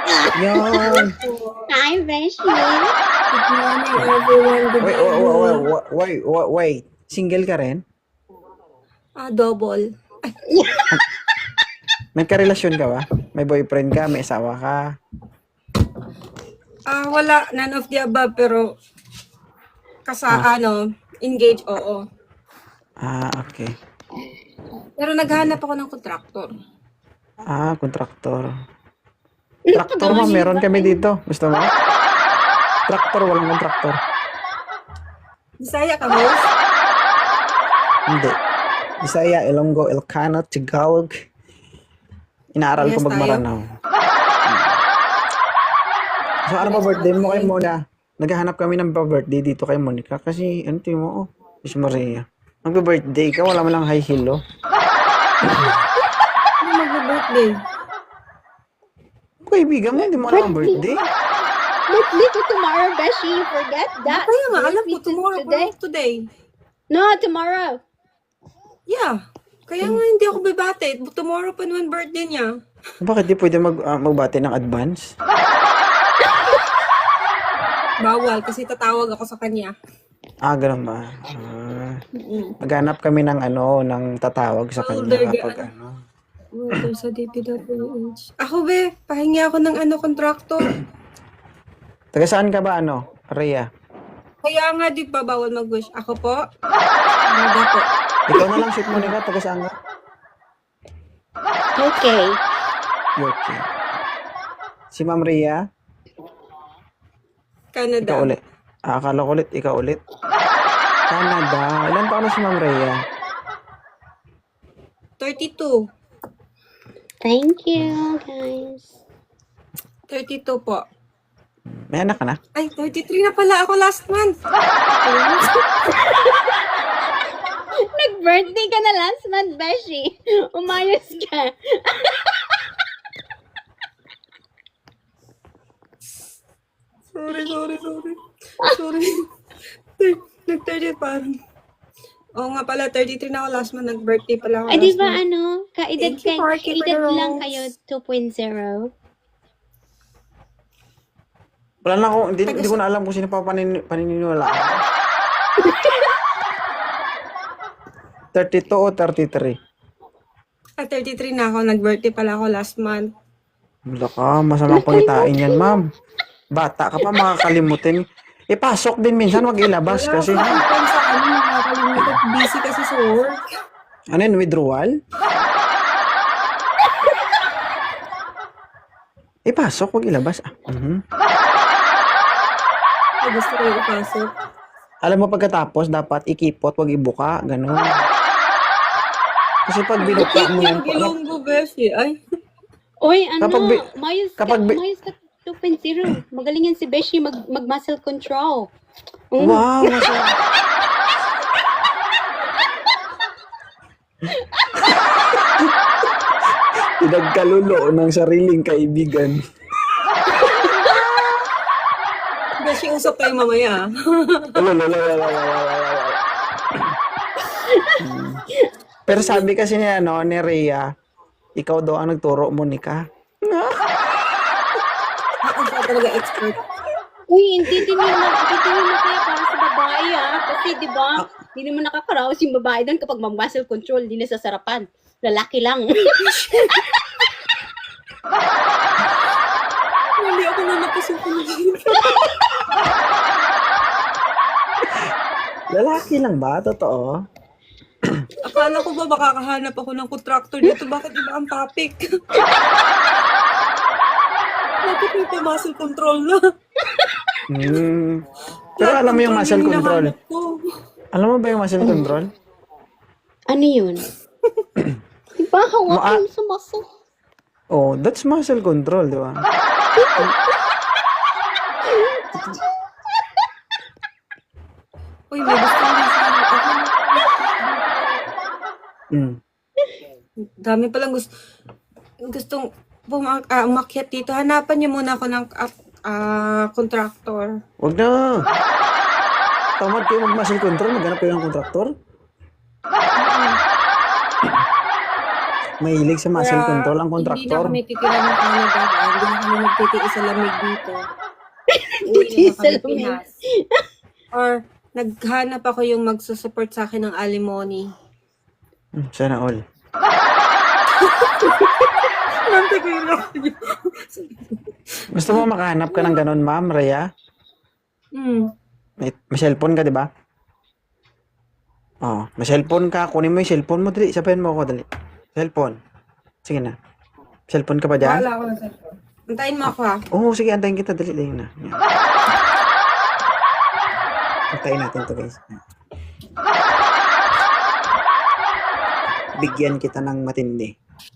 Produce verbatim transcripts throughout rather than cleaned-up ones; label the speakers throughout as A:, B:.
A: Yun.
B: Hi, Beshi.
C: Good morning, everyone. Good
A: Wait, wait,
C: evening.
A: wait, wait, wait, wait. Single ka rin?
C: Ah, double. Ay,
A: Nagkarelasyon ka ba? May boyfriend ka? May asawa ka?
C: ah, wala. None of the above, pero kasa,
A: Ah,
C: ano, engage, oo.
A: ah, okay.
C: Pero naghahanap ako ng contractor.
A: Ah, kontraktor. Traktor mo, meron kami dito. Gusto mo? Traktor, walang kontraktor.
C: Bisaya ka, boss?
A: Hindi. Bisaya, Ilonggo, Ilocano, Tagalog. Inaaral ko
C: Yes, tayo.
A: magmaranaw. So, ano pa birthday mo kay Mona? Naghahanap kami ng pa-birthday dito kay Monica kasi, ano tingin mo? Oh, Miss Maria. Magpa-birthday ka, wala mo lang high heel, oh.
C: Ano mag-birthday?
A: Kaibigan mo, hindi mo alam ang birthday.
B: Birthday ko tomorrow, Beshi. Forget that.
C: Kaya nga, alam ko,
B: Birthday
C: tomorrow,
B: today.
C: today. today.
B: No, tomorrow.
C: Yeah. Kaya nga hindi ako bibate. Tomorrow pa naman birthday niya.
A: Bakit di pwede mag, ah, magbati ng advance?
C: Bawal, kasi tatawag ako sa kanya.
A: Ah, ganun ba? Ah,
C: Mm-mm.
A: maghanap kami ng ano, ng tatawag sa kanya
C: Older
A: kapag
C: guy.
A: ano.
C: Worker sa D P W H. Ako, be, pahingi ako ng ano, contractor.
A: Taga saan ka ba, ano? Rhea?
C: Kaya nga, di ba, bawal mag-wish. Ako po? Ano po?
A: Ikaw na lang, shoot mo nila. Taga saan ka?
B: Okay.
A: Okay. Si Ma'am Rhea?
C: Canada.
A: Ikaw ulit. Ah, akala ko ulit, ikaw ulit. Canada. Ilan taon na si Ma'am Rhea?
C: thirty-two.
B: Thank you, guys.
C: thirty-two po.
A: May anak ka na?
C: Ay, thirty-three na pala ako last month.
B: Nag-birthday ka na last month, Beshi. Umayos ka.
C: Sorry, sorry, sorry. Sorry. Nag-thirty parang. Oo nga pala, thirty-three na ako last month. Nag-birthday pala ako
B: Ay, di
C: last
B: ba
C: month.
B: ano? Kaedad,
C: Thank you,
B: kay,
C: Parky, for
B: kaedad
C: the
B: lang
C: rose.
B: kayo two point oh.
A: Wala na ako, hindi, hindi ko na alam kung sino pa panin, paniniwala. thirty-two o thirty-three?
C: Ah, thirty-three na ako. Nag-birthday pala ako last month.
A: Wala ka, masamang pangitain yan, ma'am. Bata ka pa, makakalimutin. Ipasok din minsan, wag ilabas
C: Wala
A: kasi.
C: ako time sa ano, nakakalimutan. Busy kasi sa work.
A: Ano yun, withdrawal? Ipasok, wag ilabas. Ah, mhm.
C: Ay, gusto ko yung ipasok.
A: Alam mo, pagkatapos, dapat ikipot, wag ibuka, ganun. Kasi pag binuka mo yan,
C: Yung gilonggo, beshi. Ay,
B: Uy, ano?
A: Kapag bi-
B: Mayos ka,
A: kapag bi-
B: mayos ka two point oh. Magaling yan si Beshi mag, mag-muscle control. Mm.
A: wow, masaya. Pinagkalulo ng sariling kaibigan.
C: beshi, usap tayo mamaya. ah.
A: Lalalalalalalalalala. Hmm. Pero sabi kasi niya, no, ni Rhea, ikaw daw ang nagturo, Monica.
C: Ako siya talaga expert.
B: Uy, hindi din yun, hindi din yun kaya para sa babae ah. Kasi di ba, hindi naman nakakaraos yung babae doon kapag mag-muscle control, hindi na sasarapan. Lalaki lang.
C: Hindi ako na napasuko na yun.
A: Lalaki lang ba? Totoo?
C: Akala ko ba makakahanap ako ng contractor dito? Bakit iba ang topic? Bakit may pa-muscle control na?
A: Hmm. Pero alam mo yung muscle control?
C: hinahanap ko.
A: Alam mo ba yung muscle control?
B: Ano yun? Di ba, hawak
A: Ma-
B: mo sa muscle?
A: Oh, that's muscle control, di ba?
C: Uy, may gusto ko na sana ako.
A: Mm.
C: Dami palang gusto, gustong buma- ah, umakyat dito. Hanapan niyo muna ako ng ah, ah, contractor.
A: Wag na. Tamad kayo mag-muscle control, maghanap kayo ng kontraktor. Mahilig sa muscle
C: Kaya,
A: control ang
C: hindi na
A: kontraktor.
C: kami titira ng Canada. Kaya hindi na kami magtitiis sa lamig dito. Uwi na
B: Titiis
C: na
B: sa
C: kami
B: lamig.
C: Pinas. Or, naghanap ako yung magsusupport sa akin ng alimony.
A: Hmm, Sana all.
C: Nante ko yun.
A: Gusto mo makahanap ka ng ganon, ma'am, Rhea?
C: Hmm.
A: May, may cellphone ka, di ba? Oh, may cellphone ka. Kunin mo yung cellphone mo, dali. Sabihin mo ako, dali. Cellphone. Sige na. Cellphone ka pa dyan?
C: Wala ako ng cellphone. Antayin mo ako ha.
A: Oo, sige, antayin kita. Dali, dali na. Yan. Antayin natin to guys. Bigyan kita ng matindi.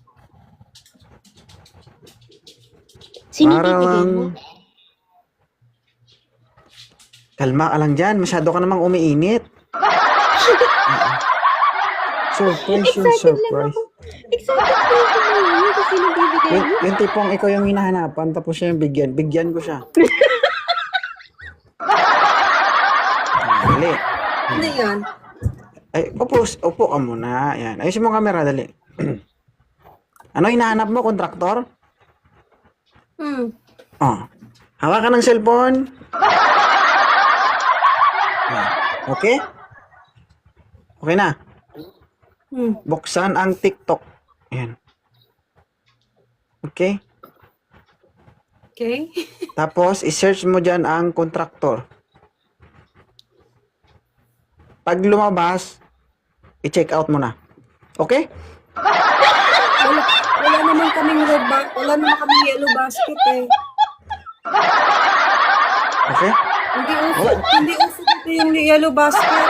B: Sino
A: Parang...
B: bibigay mo?
A: Kalma ka lang dyan. Masyado ka namang umiinit. Surprise yung
B: Excited lang
A: surprise.
B: ako. Excited po ako ngayon kasi sino bibigay
A: Yung,
B: mo.
A: yung tipong ikaw yung hinahanapan tapos siya yung bigyan. Bigyan ko siya. Ah, Dali.
C: Ano yan?
A: Ay, upo, upo ka muna. Yan. Ayusin mo ang camera, dali. Ano hinahanap mo, kontraktor?
C: Hmm.
A: Oh. Hawakan ng cellphone. Ah, Okay? Okay na.
C: Hmm.
A: Buksan ang TikTok. Ayan. Okay?
C: Okay.
A: Tapos, i-search mo dyan ang kontraktor. Pag lumabas, i-check out mo na. Okay?
C: Wala, wala naman kaming red ba wala naman kaming yellow basket eh.
A: Okay?
C: Hindi uso, hindi uso dito yung yellow basket.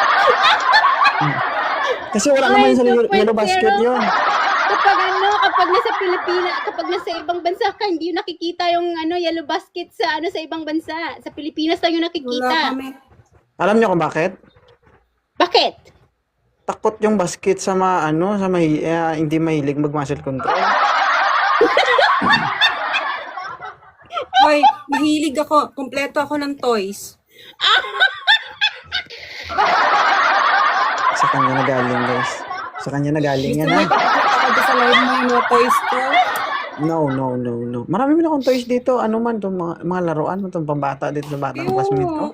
A: Kasi wala
B: Ay,
A: naman sa
B: two
A: yellow
B: point
A: yellow basket
B: zero.
A: yun.
B: Kapag ano, kapag nasa Pilipinas, kapag nasa ibang bansa ka, hindi yung nakikita yung ano, yellow basket sa ano sa ibang bansa. Sa Pilipinas lang yung
C: Wala
B: nakikita.
C: kami.
A: Alam niyo kung bakit?
B: Bakit?
A: Takot yung basket sa mga ano, sa may, eh, hindi mahilig mag-muscle control.
C: Hoy, mahilig ako. Kompleto ako ng toys.
A: Sa kanya na galing, guys. Sa kanya na galing
C: Gusto
A: yan,
C: mo
A: ha?
C: ipapakita ko sa live mo yung mga toys ko?
A: No, no, no, no. Marami na akong toys dito. Ano man, itong mga, mga laruan, itong pambata dito sa batang classmate ko.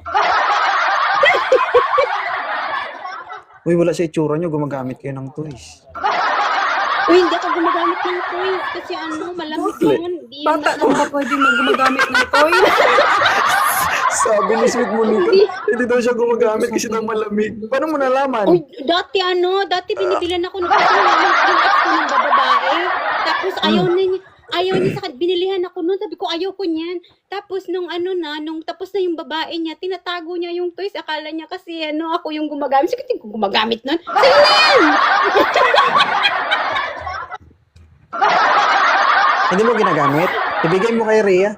A: Uy, wala sa itsura nyo, gumagamit kayo ng toys.
B: Uy, hindi ako gumagamit ng toys kasi ano, malamig yun. Di yun
C: Bata lang ba pwede mag-gumagamit ng toys?
A: Sabi ni Sweet Monica, hindi daw siya gumagamit kasi daw malamig. Paano mo nalaman?
B: Uy, dati ano, dati binibilan ako ng kasi yung, yung ex ko ng babae. Tapos ayaw na niya, ayaw niya sa akin, binilihan ako noon, sabi ko ayaw ko niyan. Tapos nung ano na, nung tapos na yung babae niya, tinatago niya yung toys, akala niya kasi ano, ako yung gumagamit. Sige, tingin ko gumagamit nun. Sa'yo na yan!
A: Hindi mo ginagamit? Ibigay mo kay Rhea.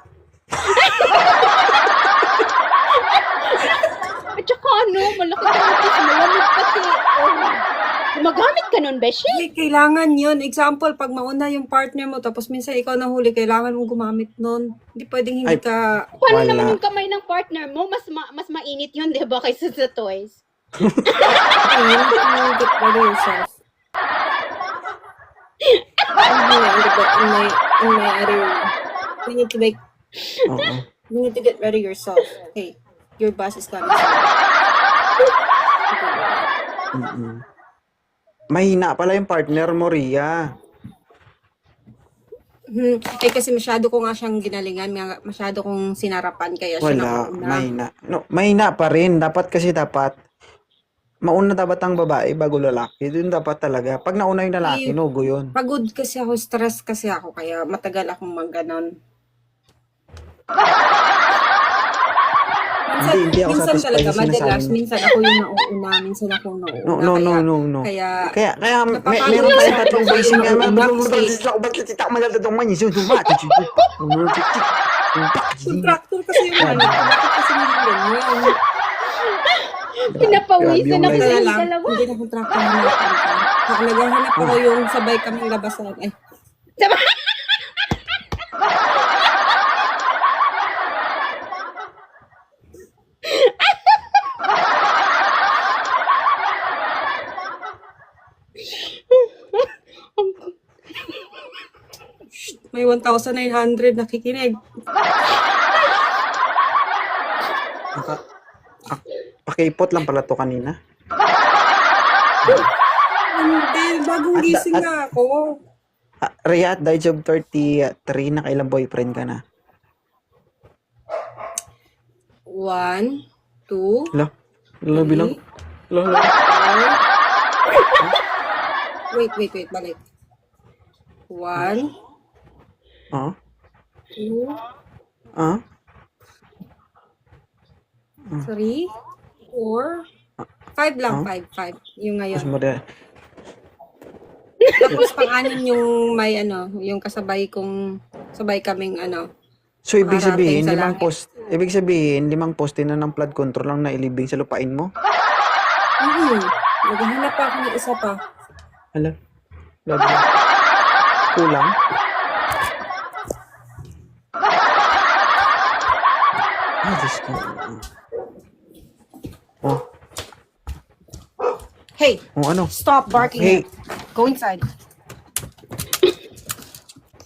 B: At saka ano, malaki ka ng toys, malamig kasi. Oh, gumagamit ka nun, Beshi?
C: Hindi, kailangan yun. Example, pag mauna yung partner mo, tapos minsan ikaw nahuli, kailangan mong gumamit nun. Hindi pwedeng hindi
A: Ay.
C: ka...
B: Paano
A: Wala.
B: naman yung kamay ng partner mo? Mas ma- mas mainit yun, di ba, kaysa sa toys?
C: Okay, you need to get ready yourself. in my, in my other... You need to make...
A: Oo.
C: You need to get ready yourself. Hey, your boss is coming soon.
A: Mm-mm. Mahina pala yung partner mo, Rhea.
C: Hmm. Eh, kasi masyado ko nga siyang ginalingan, mga- masyado kong sinarapan, kaya siya
A: Wala,
C: nauna.
A: mahina. No, mahina pa rin. Dapat kasi dapat, mauna dapat ang babae bago lalaki. Doon dapat talaga. Pag nauna yung lalaki,
C: Eh,
A: nugo yun.
C: Pagod kasi ako, stress kasi ako, kaya matagal akong magganon. Minsan,
A: Hindi, hindi ako
C: minsan
A: satisfied
C: talaga,
A: sa sinasabi
C: madalas,
A: mo.
C: minsan ako yung nauuna, minsan ako nauuna.
A: No, no, no,
C: kaya,
A: no, no.
C: Kaya,
A: Kaya, kaya, may,
C: napapagod
A: meron
C: kasi
A: tayong
C: ako
A: tatlong
C: pag
A: basing nga.
C: nauuna kasi contractor kasi yung ano, bakit kasi hindi ganyan?
B: Pinapawisan
A: Grabe yung
B: ako
C: Kaya
B: sa
C: lang,
B: dalawa.
C: hindi na contractor na natin. Naghahanap ako yung sabay kaming labasan. Eh,
B: Sabay- Ang
C: one thousand nine hundred nakikinig.
A: Naka, ah, pakipot lang pala to kanina.
C: Hindi, bagong
A: At-
C: gising
A: at-
C: nga ako.
A: Ah, Rhea, at the age of thirty-three, nakailang boyfriend ka na?
C: One, two,
A: Hala, hala bilang. Hala, hala.
C: four. Wait, wait, wait, balik. One,
A: Ah,
C: two,
A: ah,
C: three, four, five lang, five, five. Yung
A: mas
C: ngayon.
A: mada.
C: Tapos pang-anim yung may ano, yung kasabay kong, sabay kaming ano.
A: So, ibig
C: Parating
A: sabihin,
C: sa
A: limang
C: langit.
A: post, ibig sabihin, limang poste na ng flood control lang nailibing sa lupain mo?
C: Hmm, naghahanap pa ako ng isa pa.
A: Hala, grabe. Kulang? Ah, Diyos ko. Oh,
C: Hey,
A: oh ano?
C: stop barking.
A: Hey.
C: Go inside.